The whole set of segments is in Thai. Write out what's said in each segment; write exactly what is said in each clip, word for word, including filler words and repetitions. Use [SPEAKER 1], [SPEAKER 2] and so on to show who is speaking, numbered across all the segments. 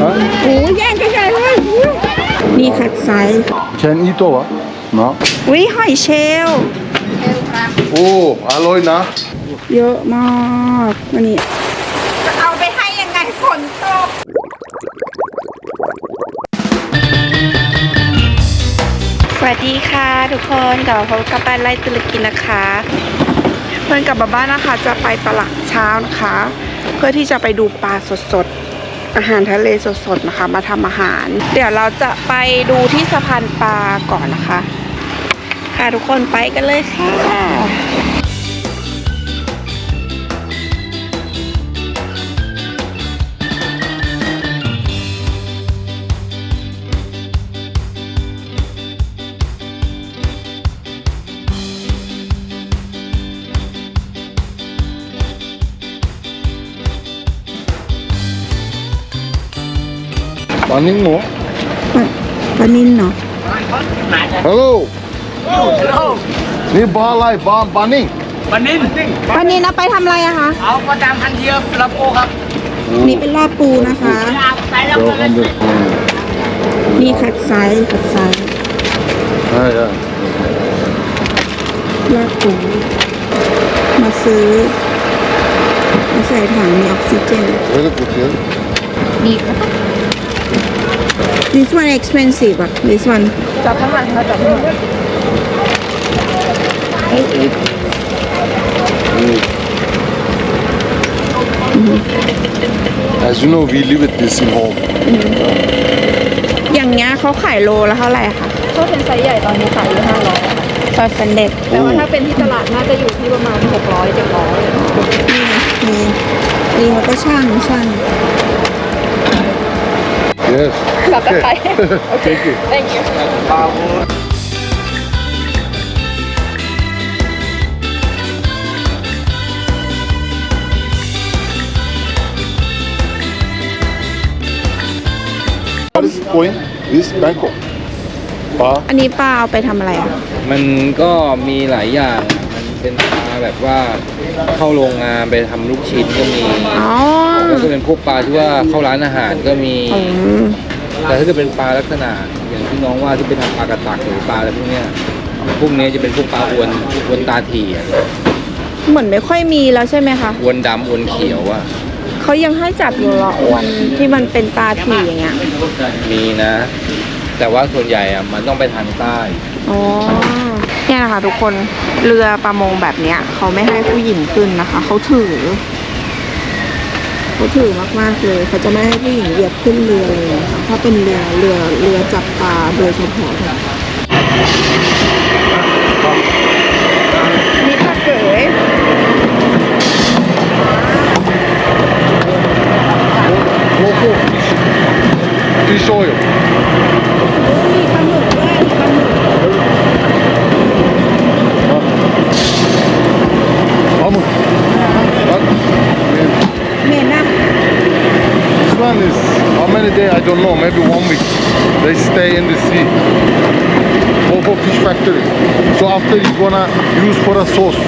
[SPEAKER 1] โอ้ยแย่งกันใหญ่เลยนี่คัดไซส์
[SPEAKER 2] Can eat over? No.
[SPEAKER 1] วิหอยเชลล์
[SPEAKER 2] Oh, alloy na.
[SPEAKER 1] เยอะมากวันนี้จะเอาไปให้ยังไงฝนตกสวัสดีค่ะทุกคนกลับมาพบกับบ้านไร่ตุรกีนะคะเพื่อนกลับมาบ้านนะคะจะไปตลาดเช้านะคะเพื่อที่จะไปดูปลาสดๆอาหารทะเลสดๆนะคะมาทำอาหารเดี๋ยวเราจะไปดูที่สะพานปลาก่อนนะคะค่ะทุกคนไปกันเลยค่ะ
[SPEAKER 2] ปลานิ่งเหรอ
[SPEAKER 1] ปลานินเนาะ
[SPEAKER 2] ฮัลโหลนี่ปลาอะไรปลาปลานิ่ง
[SPEAKER 3] ปลานิ่น
[SPEAKER 1] ปลานินเอาไปทำอะไรอะคะ
[SPEAKER 3] เอาประจำพันเทียบลำโพครับ
[SPEAKER 1] นี่เป็นลาบปูนะคะ
[SPEAKER 3] ใส่แล้ว
[SPEAKER 2] เดี๋ยว
[SPEAKER 3] ก็
[SPEAKER 2] ทำเดี๋ยว
[SPEAKER 1] นี่คัดไซส์คัดไซส์
[SPEAKER 2] ใช่ใช่
[SPEAKER 1] ลาบปูมาซื้อมาใส่ถังมีออกซิเจน
[SPEAKER 2] เฮ้ยกูเทียน
[SPEAKER 1] นี่ค่ะ This one expensive อ่ะ This one จับข้างหลังค่ะจับข้างหลังเอ๊ะ
[SPEAKER 2] As you know we live with this in home
[SPEAKER 1] อย่างเงี้ยเขาขายโลละเท่าไหร่คะ
[SPEAKER 4] ถ้าเป็นไซส์ใหญ่ตอนนี้ขายอยู่ห้าร้อย
[SPEAKER 1] ซอสเซนเด็ด
[SPEAKER 4] แต่ว่าถ้าเป็นที่ตลาดน่าจะอยู่ที่ประมาณหกร้อยเจ็ดร้อย
[SPEAKER 1] นี่นี่นี่เขาก็ช่างช่าง
[SPEAKER 2] Yes
[SPEAKER 4] กลับไป
[SPEAKER 2] Thank you
[SPEAKER 4] thank you
[SPEAKER 2] What is the point? This Bangkok ปลา
[SPEAKER 1] อันนี้ป้าเอาไปทำอะไรอ่ะ
[SPEAKER 3] มันก็มีหลายอย่าง มันเป็นปลาแบบว่าเข้าโรงงานไปทำลูกชิ้นก็มี
[SPEAKER 1] อ๋อ
[SPEAKER 3] แล้วก็เป็นพวกปลาที่ว่าเข้าร้านอาหารก็มี
[SPEAKER 1] อืม
[SPEAKER 3] แต่ถ้าเกิดเป็นปลาลักษณะอย่างที่น้องว่าที่เป็นทำปลากระตักหรือปลาอะไรพวกเนี้ยพวกนี้จะเป็นพวกปลาอวนอวนตาถี่อะ
[SPEAKER 1] เหมือนไม่ค่อยมีแล้วใช่ไหมคะ
[SPEAKER 3] อวนดำอวนเขียวอ่ะ
[SPEAKER 1] เขายังให้จับอยู่เหรออวนที่มันเป็นตาถี่อย่างเงี้ย
[SPEAKER 3] มีนะ แต่ว่าส่วนใหญ่อ่ะมันต้องไปทางใต้
[SPEAKER 1] อ๋อเนี่ยนะคะทุกคนเรือประมงแบบเนี้ยเขาไม่ให้ผู้หญิงขึ้นนะคะเขาถือเขาถือมากๆเลยเขาจะไม่ให้ผู้หญิงเหยียบขึ้นเรือเลยนะคะถ้าเป็นเรือเรือเรือจับปลาโดยเฉพาะค่ะนี่ปลาเก๋ย
[SPEAKER 2] โอ้โห Fish oil
[SPEAKER 1] มีปลาหมึกด้วยปลาหมึก
[SPEAKER 2] ปลาหมึก What?
[SPEAKER 1] เหม็นอะ
[SPEAKER 2] This one is how many days? I don't know. Maybe one week. They stay in the sea. Go for fish factory. So after you gonna use for a sauce.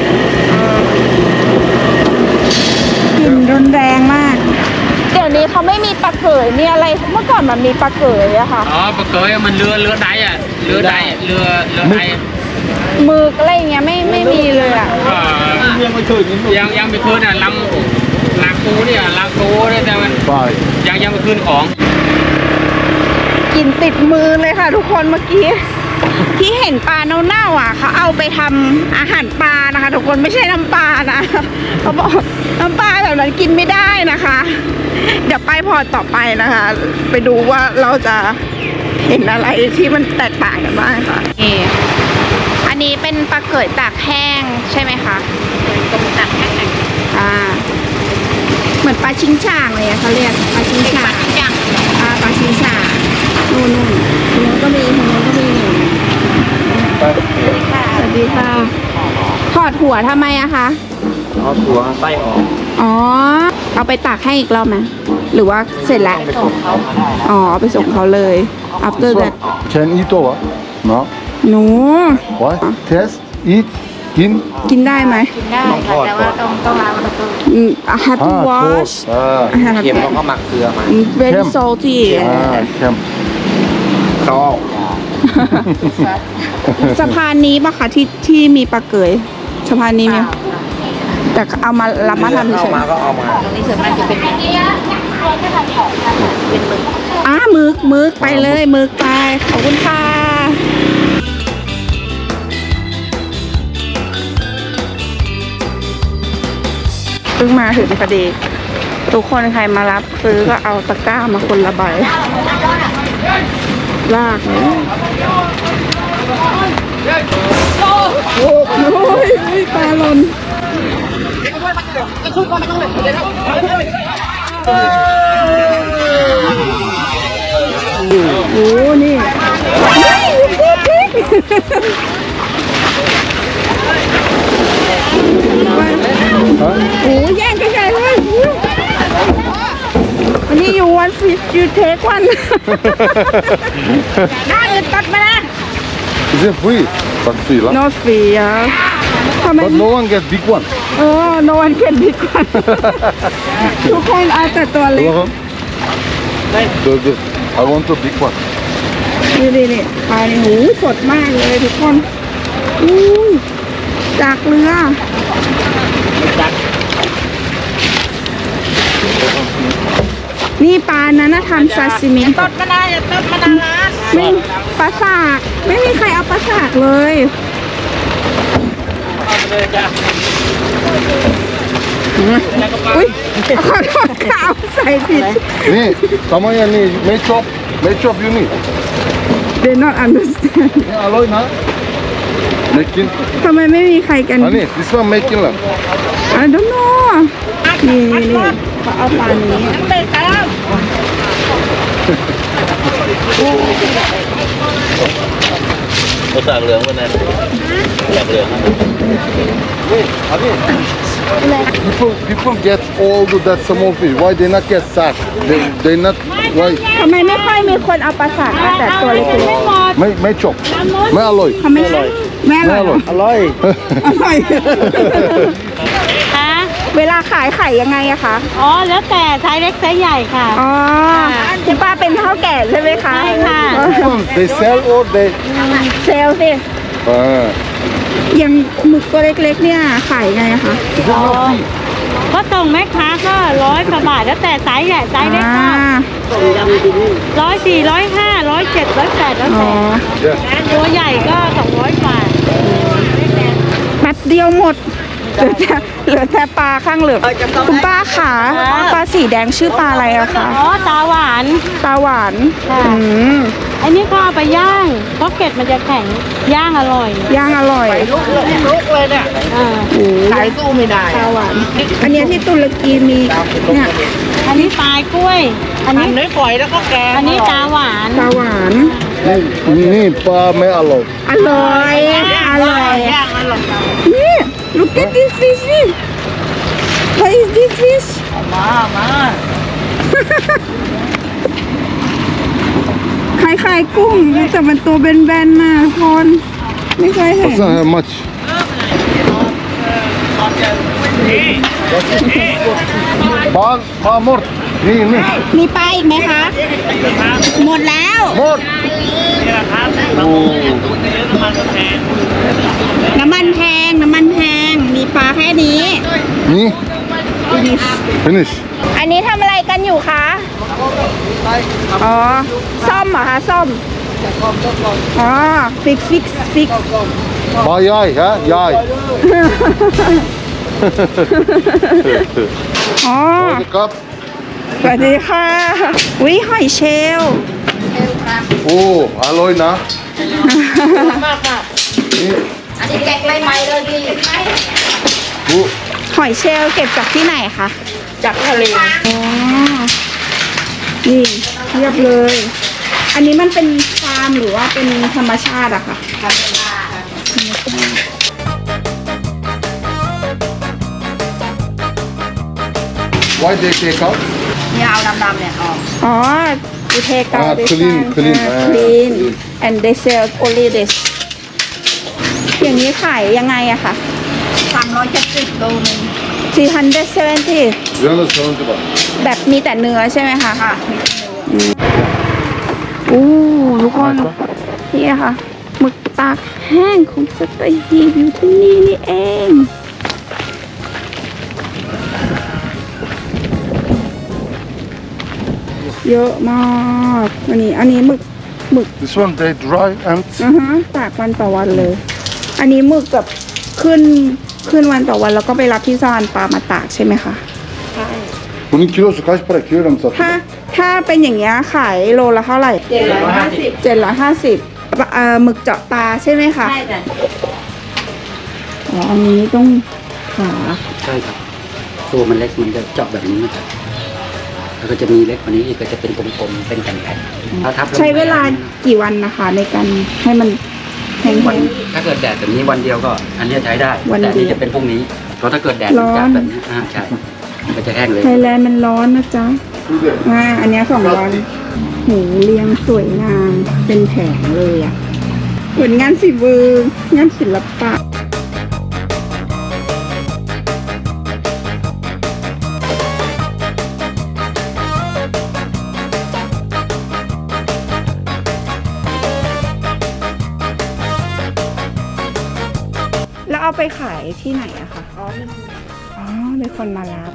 [SPEAKER 1] กลิ่นรุนแรงมากเดี๋ยวนี้เขาไม่มีปลาเก๋ยมีอะไรเมื่อก่อนมันมีปลาเก๋ยอะค่ะ
[SPEAKER 3] อ๋อปลาเกยมันเรือเรือใดอ่ะเรือใดเรือเรือใด
[SPEAKER 1] หมึกอะไรอย่างเงี้ยไม่ไม่มีเลยอะ
[SPEAKER 3] ยังไม่คืนยังยังไม่คืนอ่ะลำลากูเนี่ยลากูเนี่ยแต่มัน
[SPEAKER 2] Bye.
[SPEAKER 3] ยังยังไม่คืนของ
[SPEAKER 1] กลิ่นติดมือเลยค่ะทุกคนเมื่อกี้ที่เห็นปลาเน่าๆอ่ะเขาเอาไปทำอาหารปลานะคะทุกคนไม่ใช่น้ำปลานะเขาบอกน้ำปลาแบบนั้นกินไม่ได้นะคะ เดี๋ยวไปพอต่อไปนะคะ ไปดูว่าเราจะเห็นอะไรที่มันแตกต่างกันบ้างค่ะนี่อันนี้เป็นปลาเก๋ยตากแห้งใช่ไหมคะตากแห้งอ่าเหมือนปลาชิงช่างเลยอะเขาเรียกปลาชิงช่างอ่าปลาชิงช่างนู่นนู่นตรงนู้นก็มีตรงนู้นก็มีสวัสดีค่ะถอดหัวทำไมอะคะ
[SPEAKER 3] เอาตัวไส้ออก
[SPEAKER 1] อ๋อเอาไปตากให้อีกรอบไหมหรือว่าเสร็จแล้วอ๋อเอาไปส่งเขาเลย after
[SPEAKER 2] This
[SPEAKER 1] that
[SPEAKER 2] one can eat over? No.
[SPEAKER 1] หนู
[SPEAKER 2] What? Test? Eat? กิน
[SPEAKER 1] กินได้ไหม
[SPEAKER 4] กินได้ค่ะแต่ว่าต้องต้องล้างมันต้อง
[SPEAKER 1] อืม I have to
[SPEAKER 2] อ่า
[SPEAKER 1] wash
[SPEAKER 2] อ่า
[SPEAKER 1] I have
[SPEAKER 3] เค็ม
[SPEAKER 1] to
[SPEAKER 3] แล้วก็หมักเกลือมา
[SPEAKER 1] very
[SPEAKER 2] เข้ม
[SPEAKER 1] salty
[SPEAKER 2] อ่าเค็มชอบ
[SPEAKER 1] สะพานนี้ปะคะที่ที่มีปลาเกยสะพานนี้มีแต่เอามารับมาทำเฉ
[SPEAKER 3] เข้าย มาก็เอามา
[SPEAKER 4] ตรงนี้ส่วนมากจะเป็นเป็นหมึก
[SPEAKER 1] ๆอ้ามึกมึกไปเลยมึกไปขอบคุณค่ะเพิ่งมาถึงพอดี ทุกคนใครมารับซื้อก็เอาตะกร้ามาคนละใบลากเลยโอ้ยปลาหล่นโอ้นี่โอ้แย่งกันใหญ่เลยอันนี้ you want fish you take one น่าอื่นตัดมานะ
[SPEAKER 2] Is it free? But free, lah.
[SPEAKER 1] not free อ่ะทำไม
[SPEAKER 2] But no one get big one.
[SPEAKER 1] เออ no one can big one ทุกคนเอาแต่ตัวเล็ก
[SPEAKER 2] Hello? The, the, I want a big one.
[SPEAKER 1] นี่นี่นี่ปลาในหูสดมากเลยทุกคนอู้ยจากเรือ นี่ปลานั้นนะทำซาซิมิตดมาได้ตดมาได้ไม่ปลาสากไม่มีใครเอาปลาสากเลยอุ้ยขอโทษค่ะเอาใส่ผิด
[SPEAKER 2] นี่ทำไมอันนี้ไม่ชอบไม่ชอบอยู่นี่
[SPEAKER 1] they not understand
[SPEAKER 2] นี่อร่อยนะไม่กิน
[SPEAKER 1] ทำไมไม่มีใครกัน
[SPEAKER 2] อันนี้ this one ไม่กินละ
[SPEAKER 1] I don't know นี่นี่นี่เขาเอาปลานี้
[SPEAKER 5] ภาษาเหลืองวันนั้นจากเหลือง
[SPEAKER 2] people people get all the, that small fish why they not get sack they they not why
[SPEAKER 1] ทำไมไม่ค่อยมีคนเอาปลาสากมาแต่ตัวเล็ก
[SPEAKER 2] ไม่ไม่ชอบไม่อร่อย
[SPEAKER 1] ๆทำไมอร่อยแม่อ
[SPEAKER 2] ไม่
[SPEAKER 1] ร่อย
[SPEAKER 2] อร่อย
[SPEAKER 1] อร่อย
[SPEAKER 6] คะ
[SPEAKER 1] เวลาขายไข่ยังไงอะคะ
[SPEAKER 6] อ๋อ แล้วแต่ไซส์เล็กไซส์ใหญ่ค่ะ
[SPEAKER 1] อ๋อคุณป้าเป็นเท่าแก่ใช่ไหมคะ
[SPEAKER 6] ใช่ค่ะ
[SPEAKER 2] they sell or they
[SPEAKER 1] เซลล์สิ
[SPEAKER 2] อ่า
[SPEAKER 1] อย่างหมึกตัวเล็กๆเนี่ยขายไงอะคะ
[SPEAKER 2] is it not free
[SPEAKER 6] ก็ส่งแม่ค้าก็ร้อยกว่าบาท แล้วแต่ไซส์ใหญ่ไซส์เล็กก็
[SPEAKER 1] อ่า
[SPEAKER 6] ร้อยสี่ร้อยห้าร้อยเจ็ดร้อยแปดแล้ว
[SPEAKER 1] อ๋อ
[SPEAKER 6] แต่
[SPEAKER 2] yes
[SPEAKER 6] ตัวใหญ่ก็สองร้อยกว่า
[SPEAKER 1] แป๊บเดียวหมดเหลือแต่เหลือแต่ปลาข้างเหลืองคุณป้าขาปลาสีแดงชื่อปลาอะไรอะคะ
[SPEAKER 6] อ๋อ ตาหวาน
[SPEAKER 1] ปลาหวาน
[SPEAKER 6] ค่ะ
[SPEAKER 1] อืม
[SPEAKER 6] อันนี้ก็เอาไปย่าง เพราะเกล็ดมันจะแข็ง ย่างอร่อย
[SPEAKER 1] ย่างอร่อย
[SPEAKER 6] อ่า
[SPEAKER 1] ขายสู้ไม่ได้ปลาหวาน อันเนี้ยที่ตุรกีมีเนี่ย
[SPEAKER 6] อันนี้ปลายกล้วย อันนี้เนื้อฝอยแล้วก็แกง อันนี้ตาหวาน
[SPEAKER 1] ปลาหวาน
[SPEAKER 2] นี่นี่ปลาไม่อร่อย
[SPEAKER 1] อร่อย อร่อย นี่ look at this fish นี่ what is this fish มามาคล้ายๆกุ้งแต่มันตัวแบนๆน่ะทุกคนไม่เคยเห็น
[SPEAKER 2] doesn't have much ปลาปลาหมดนี่นี่
[SPEAKER 1] มีปลาอีกไหมคะ หมดแล้ว
[SPEAKER 2] หมดโอ้
[SPEAKER 1] น้ำมันแพง น้ำมันแพง มีปลาแค่นี้
[SPEAKER 2] นี่ finish
[SPEAKER 1] อันนี้ทำอะไรกันอยู่คะ อ๋อ ซ่อมเหรอคะ ซ่อม อ๋อ ฟิกฟิกฟิก
[SPEAKER 2] ปลาใหญ่ฮะใหญ่
[SPEAKER 1] อ๋อ
[SPEAKER 2] ครับ
[SPEAKER 1] สวัสดีค่ะวิหอยเชลล
[SPEAKER 2] โอ้อร่อยนะนี่
[SPEAKER 4] อันนี้แกงไรไหมเลยพี่
[SPEAKER 2] ดู
[SPEAKER 1] หอยเชลลเก็บจากที่ไหนคะ
[SPEAKER 4] จากทะเล
[SPEAKER 1] อ๋อ นี่เรียบเลย อันนี้มันเป็นฟาร์มหรือว่าเป็นธรรมชาติอะคะ
[SPEAKER 2] why they take out
[SPEAKER 4] เนี่ยเอาดำๆเนี่ยออก
[SPEAKER 1] อ๋อ you take out
[SPEAKER 2] Ah,
[SPEAKER 1] this
[SPEAKER 2] clean,
[SPEAKER 1] one.
[SPEAKER 2] clean.
[SPEAKER 1] Ah,
[SPEAKER 2] Ah,
[SPEAKER 1] clean
[SPEAKER 2] clean.
[SPEAKER 1] and they sell only this อย่างนี้ขายยังไงอะคะ
[SPEAKER 2] อ
[SPEAKER 4] ามร้อยเจ็ดสิบโลนึง
[SPEAKER 1] สี่พันเดเซเวนตี้
[SPEAKER 2] three hundred seventy baht.
[SPEAKER 1] แบบมีแต่เนื้อใช่ไหมคะ
[SPEAKER 4] ค่ะ
[SPEAKER 1] อู้ทุกคนนี่ค่ะหมึกตากแห้งของสัตหีบอยู่ที่นี่นี่เอง เยอะมากอันนี้อันนี้หมึกหมึก
[SPEAKER 2] This one they dry and
[SPEAKER 1] อือฮะตากวันต่อวันเลย อันนี้หมึกกับขึ้นขึ้นวันต่อวันแล้วก็ไปรับที่สะพานปลามาตากใช่ไหมคะ
[SPEAKER 2] bunun kilosu kaç para? Kilogram
[SPEAKER 1] ถ้า
[SPEAKER 2] satıyor?
[SPEAKER 1] ถ้าเป็นอย่างเงี้ยขายโลละเท่าไหร่
[SPEAKER 4] เจ็ดร้อยห้าสิบ
[SPEAKER 1] เจ็ดร้อยห้าสิบเอ่อหมึกเจาะตาใช่ไหมคะ
[SPEAKER 4] ใช่จ้ะ
[SPEAKER 1] อ๋ออันนี้ต้องขา
[SPEAKER 7] ใช่ครับตัวมันเล็กมันจะเจาะแบบนี้นะครับแล้วก็จะมีเล็กกว่านี้อีกก็จะเป็นกลมๆเป็นแผ่นๆถ้าทับแล้
[SPEAKER 1] ใช้เวลากี่วันนะคะ ในการให้มันแห้
[SPEAKER 7] วัน
[SPEAKER 1] ง
[SPEAKER 7] ถ้าเกิดแดดแบบนี้วันเดียวก็ อันเนี้ยใช้ได้
[SPEAKER 1] วันเดียว
[SPEAKER 7] แต่อันนี้จะเป็นพรุ่งนี้เพราะถ้าเกิดแดด
[SPEAKER 1] ร้อน
[SPEAKER 7] จัดแบบนี้อ่าใช่มันก็จะแห้งเลย
[SPEAKER 1] ๆไทยแลนด์มันร้อนนะจ๊ะอ่าอันเนี้ยสองร้อยหูเรียงสวยงามเป็นแผงเลยอ่ะเหมือนงานฝีมืองานศิลปะ แล้วเอาไปขายที่ไหนอะคะ อ๋อ อ๋อ มีคนมารับ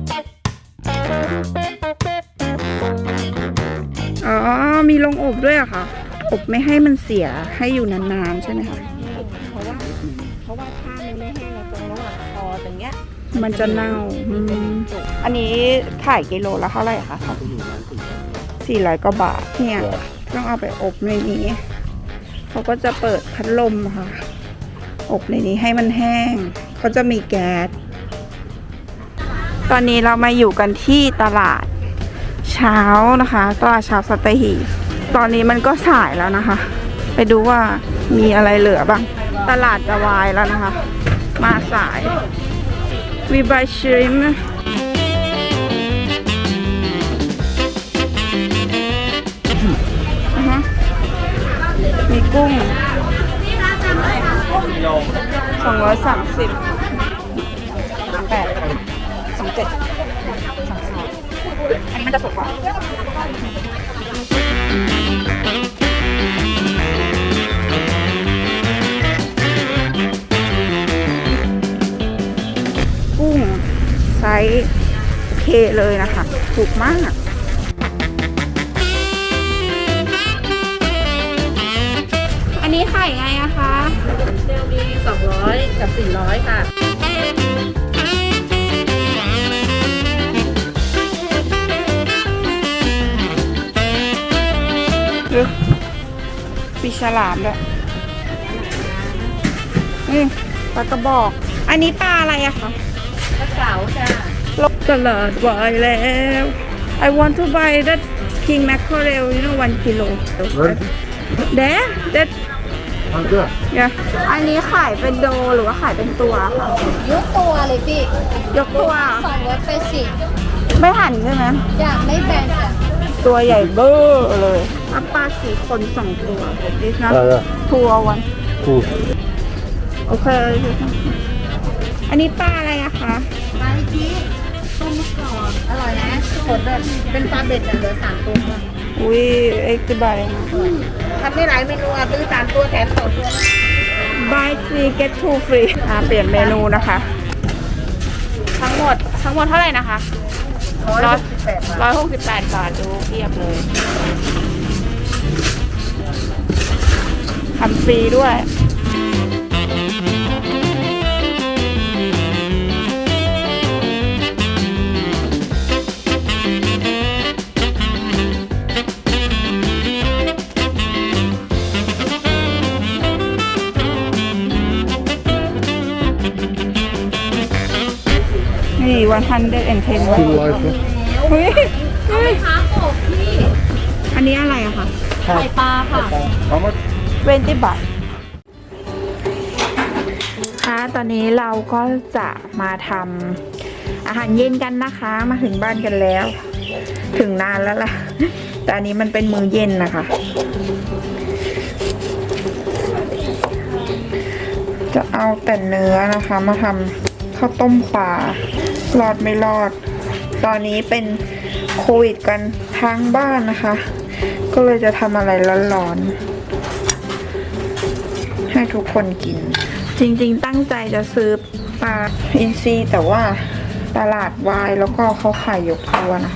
[SPEAKER 1] อ๋อ มีโรงอบด้วยอะค่ะ อบไม่ให้มันเสีย ให้อยู่นานๆใช่ไหมคะ
[SPEAKER 4] เพราะว่าเพราะว่าถ้ามันไม่แห้งตรงระหว่างคอตรงเนี้ย
[SPEAKER 1] มันจะเน่าอืมอันนี้ขายกิโลละเท่าไหร่คะสี่ร้อยกว่าบาท เนี่ย ต้องเอาไปอบในนี้ เขาก็จะเปิดพัดลมค่ะ อบในนี้ให้มันแห้ง เขาจะมีแก๊ส ตอนนี้เรามาอยู่กันที่ตลาดเช้านะคะ ตลาดเช้าสัตหีบ ตอนนี้มันก็สายแล้วนะคะ ไปดูว่ามีอะไรเหลือบ้าง ตลาดจะวายแล้วนะคะ มาสาย We buy shrimp อ่าฮะมีกุ้งสองร้อยสามสิบแปดสองเจ็ดสองสองอันนี้มันจะสดกว่ากุ้งไซส์โอเคเลยนะคะ ถูกมาก อันนี้ขายไงอะคะ
[SPEAKER 4] เซลมีสองร้อยกับสี่ร้อยค่ะ
[SPEAKER 1] ดูปีฉลามด้วยนี่ปลากระบอก อันนี้ปลาอะไรอะคะ
[SPEAKER 4] กระเก๋าจ้ะ
[SPEAKER 1] ลงตลาดวายแล้ว I want to buy that king mackerel you know one kilo
[SPEAKER 2] Where?
[SPEAKER 1] there that
[SPEAKER 2] Hadi.
[SPEAKER 1] yeah อันนี้ขายเป็นโดหรือว่าขายเป็นตัวคะ
[SPEAKER 8] ยกตัวเลยพี่
[SPEAKER 1] ยกตัว
[SPEAKER 8] สองร้อยแปดสิบ
[SPEAKER 1] ไม่หั่นใช่ไหม
[SPEAKER 8] อยากไม่แบ่งจ้ะ
[SPEAKER 1] ตัวใหญ่เบ้อเลยอัปปลาสีคนสองตัวดินะ
[SPEAKER 2] Yeah, yeah.
[SPEAKER 1] ทัววัน
[SPEAKER 2] Cool.
[SPEAKER 1] โอเค อันนี้ปลาอะไรอะคะ
[SPEAKER 8] ไปพี่ต้มก่อนอร่อยนะสดแบบเป็นปลาเบ็ดอะเหลือสามตัว
[SPEAKER 1] อุ้ยเอ็กซ์บายนะ
[SPEAKER 8] ทำได้หลายเมนูอ่ะซื้อสามตัวแถมสองตัว
[SPEAKER 1] buy three get two free อ่าเปลี่ยนเมนูนะคะ ทั้งหมดทั้งหมดเท่าไหร่นะคะ
[SPEAKER 8] ร้อยหกสิบแปดบาท
[SPEAKER 1] ร้อยหกสิบแปดบาทดูเทียบเลยทำฟรีด้วย นี่วันพันเดเอ็นเทน
[SPEAKER 2] Full life.
[SPEAKER 1] เฮ้ยเฮ้ย
[SPEAKER 8] ขาโขกพี่
[SPEAKER 1] อันนี้อะไรอะคะ
[SPEAKER 8] ไข่ปลาค่ะ
[SPEAKER 2] How much?
[SPEAKER 1] เวนตี้บาทค่ะตอนนี้เราก็จะมาทำอาหารเย็นกันนะคะ มาถึงบ้านกันแล้ว ถึงนานแล้วล่ะ แต่อันนี้มันเป็นมื้อเย็นนะคะจะเอาแต่เนื้อนะคะมาทำข้าวต้มปลารอดไม่รอด ตอนนี้เป็นโควิดกันทั้งบ้านนะคะ ก็เลยจะทำอะไรร้อนๆให้ทุกคนกิน จริงๆตั้งใจจะซื้อปลาอินทรีแต่ว่าตลาดวายแล้วก็เขาขายยกตัวนะคะ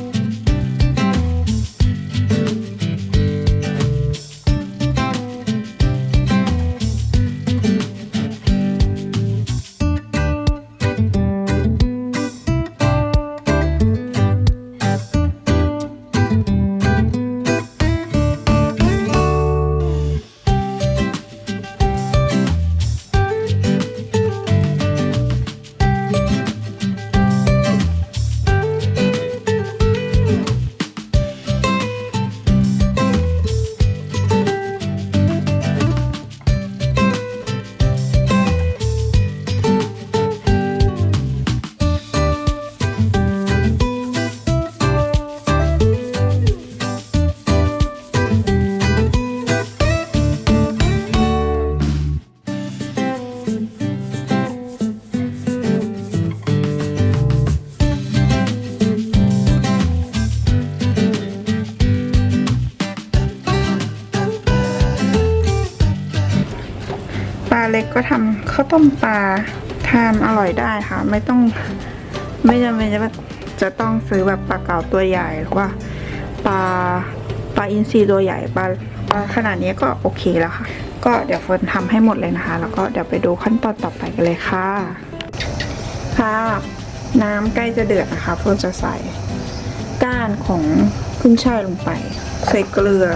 [SPEAKER 1] ปลาเล็กก็ทำข้าวต้มปลาทานอร่อยได้ค่ะ ไม่ต้องไม่จำเป็นจะจะต้องซื้อแบบปลาเก๋าตัวใหญ่หรือว่าปลาปลาอินทรีตัวใหญ่ปลาปลาขนาดนี้ก็โอเคแล้วค่ะ ก็เดี๋ยวเฟิร์นทำให้หมดเลยนะคะ แล้วก็เดี๋ยวไปดูขั้นตอนต่อไปกันเลยค่ะค่ะน้ำใกล้จะเดือดนะคะเฟิร์นจะใส่ก้านของขึ้นช่ายลงไปใส่เกลือ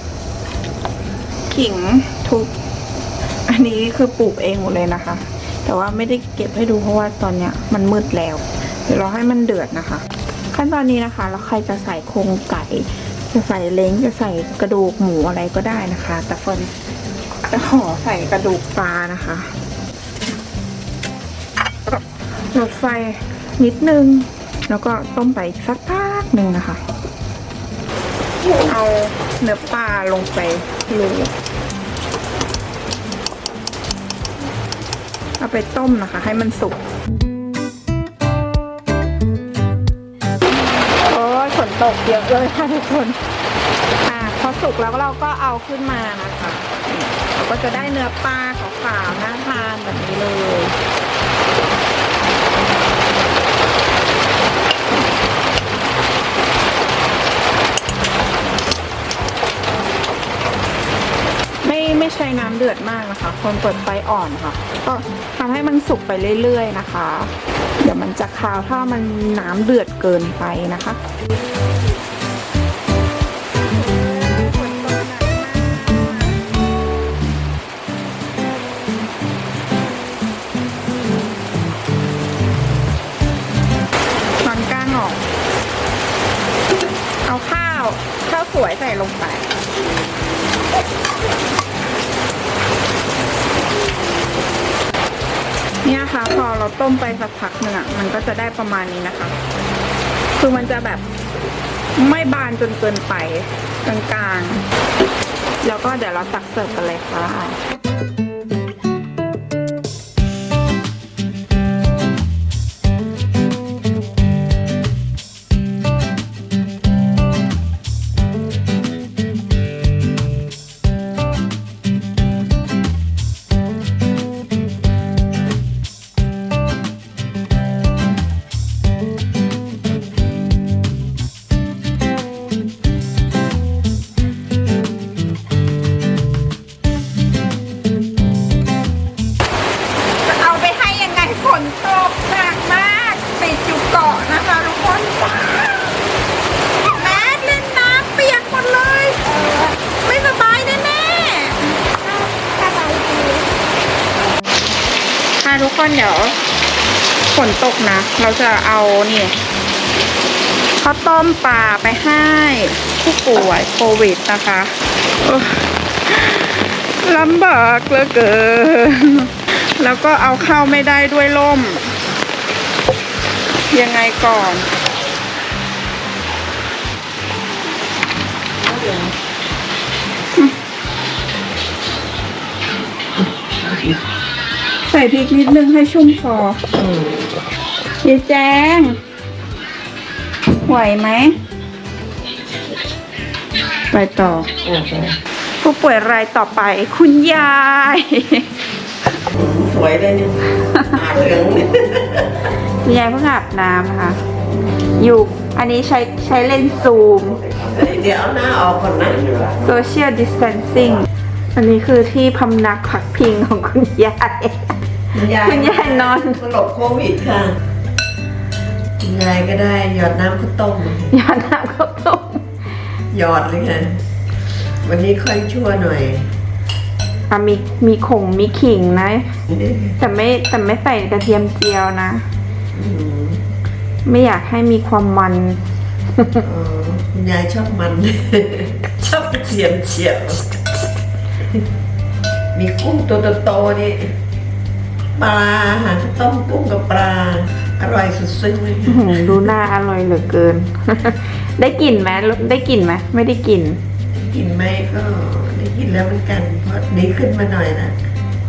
[SPEAKER 1] ขิงทุบอันนี้คือปลูกเองหมดเลยนะคะ แต่ว่าไม่ได้เก็บให้ดูเพราะว่าตอนเนี้ยมันมืดแล้วเดี๋ยวเราให้มันเดือดนะคะ ขั้นตอนนี้นะคะแล้วใครจะใส่โครงไก่จะใส่เล้งจะใส่กระดูกหมูอะไรก็ได้นะคะ แต่เฟิร์นจะขอใส่กระดูกปลานะคะลดไฟนิดนึงแล้วก็ต้มไปสักพักหนึ่งนะคะเอาเนื้อปลาลงไปเลยเอาไปต้มนะคะ ให้มันสุกโอ้ยฝนตกเยอะเลยค่ะทุกคนอ่ะพอสุกแล้วเราก็เอาขึ้นมานะคะเราก็จะได้เนื้อปลาขาวๆน่าทานแบบนี้เลยไม่ไม่ใช้น้ำเดือดมากนะคะคนเปิดไฟอ่อนค่ะก็ทำให้มันสุกไปเรื่อยๆนะคะ เดี๋ยวมันจะคาวถ้ามันน้ำเดือดเกินไปนะคะถอนก้านออกเอาข้าวข้าวสวยใส่ลงไปเนี่ยค่ะพอเราต้มไปสักพักหนึ่งอ่ะมันก็จะได้ประมาณนี้นะคะ คือมันจะแบบไม่บานจนเกินไปกลางๆแล้วก็เดี๋ยวเราตักเสิร์ฟกันเลยค่ะทุกคนเดี๋ยวฝนตกนะเราจะเอานี่ข้าวต้มปลาไปให้ผู้ป่วยโควิดนะคะลำบากเหลือเกินแล้วก็เอาเข้าไม่ได้ด้วยล่มยังไงก่อนส่พริกนิดนึงให้ชุ่มคอยีแจงไหวไหมไปต่อผู้ป่วยรายต่อไปคุณยาย
[SPEAKER 4] สวยเลยเนี่ยหาเหลืองเนี่ย
[SPEAKER 1] คุณยายเพิ่งอาบน้ำค่ะ อยู่อันนี้ใช้ใช้เลนส์ซูม
[SPEAKER 4] เดี๋ยวเอาหน้าออกก่อนนะ
[SPEAKER 1] social distancing อันนี้คือที่พำนักพักพิงของคุณยาย คุณยายนอน
[SPEAKER 4] มาหลบโควิดค่ะคุณยายก็ได้หยอดน้ำข้าวต้ม
[SPEAKER 1] ยาน้ำข้าวต้ม
[SPEAKER 4] หยอดเลยค่ะ วันนี้ค่อยชั่วหน่อย
[SPEAKER 1] อ่ะมีมีขงมีขิงนะ แต่ไม่แต่ไม่ใส่กระเทียมเจียวนะ
[SPEAKER 4] อืม
[SPEAKER 1] ไม่อยากให้มีความมัน
[SPEAKER 4] อ๋อคุณยายชอบมัน ชอบเฉียมเฉียบมีกุ้งตัวโตๆนี่ปลาค่ะต้มกุ้งกับปลา อร่อยสุดๆเลย
[SPEAKER 1] อื้อหือดูหน้าอร่อยเหลือเกิน ได้กลิ่นไหมได้กลิ่นไหมไม่ได้กลิ่น
[SPEAKER 4] กินไหมก็ได้กินแล้วเหมือนกัน เพราะดีขึ้นมาหน่อยนะ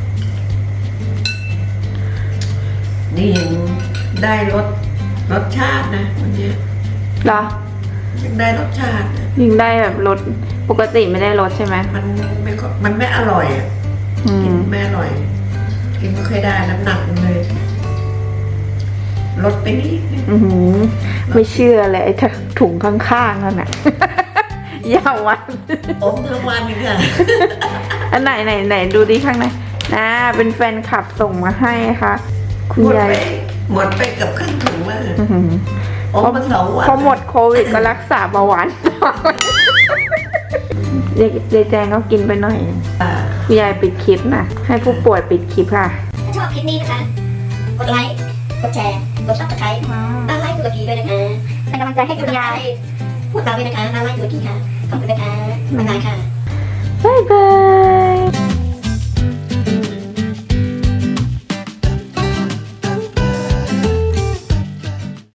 [SPEAKER 4] นี่ยังได้รสรสชาตินะวันนี้
[SPEAKER 1] เหรอ
[SPEAKER 4] ยังได้รสชาตินะ
[SPEAKER 1] ยิงได้แบบรสปกติไม่ได้รสใช่ไหม
[SPEAKER 4] มันไม่ค่อยมันไม่อร่อยอ่ะ
[SPEAKER 1] อื
[SPEAKER 4] กิน
[SPEAKER 1] ม
[SPEAKER 4] ไม่อร่อย กินไม่ค่อยได้น้ำหนักมันเลยลดไปนิดนึง
[SPEAKER 1] อือหือไม่เชื่อเลยไอ้ถุงข้างๆนั่นน่ะ ยาววัน
[SPEAKER 4] อมทั้งวันเลยค่ะ
[SPEAKER 1] อันไหนไหนไหนดูดิข้างในนะเป็นแฟนคลับส่งมาให้ค่ะ คุณ
[SPEAKER 4] หมด
[SPEAKER 1] ยาย
[SPEAKER 4] ไปหมดไปกับครึ่งถุงเลย
[SPEAKER 1] อื้อหือ
[SPEAKER 4] อมมาสองวัน
[SPEAKER 1] พอหมดโควิดก็รักษาเบาหวาน ยายยายแจงก็กินไปหน่อย
[SPEAKER 4] อ่า
[SPEAKER 1] คุณยายปิดคลิปนะให้ผู้ป่วยปิดคลิปค่ะ
[SPEAKER 9] ถ้าชอบคลิปนี้นะคะ กดไลค์ กดแชร์ กดซับสไครต์ด้านไลค์ตุรกีด้วยนะคะ เป็นกำลังใจให้คุณยายพวกเราด้วยนะคะด้านไลค์ตุรกีค่ะ ขอบคุณนะคะบ๊ายบายค่ะ
[SPEAKER 1] บ๊ายบาย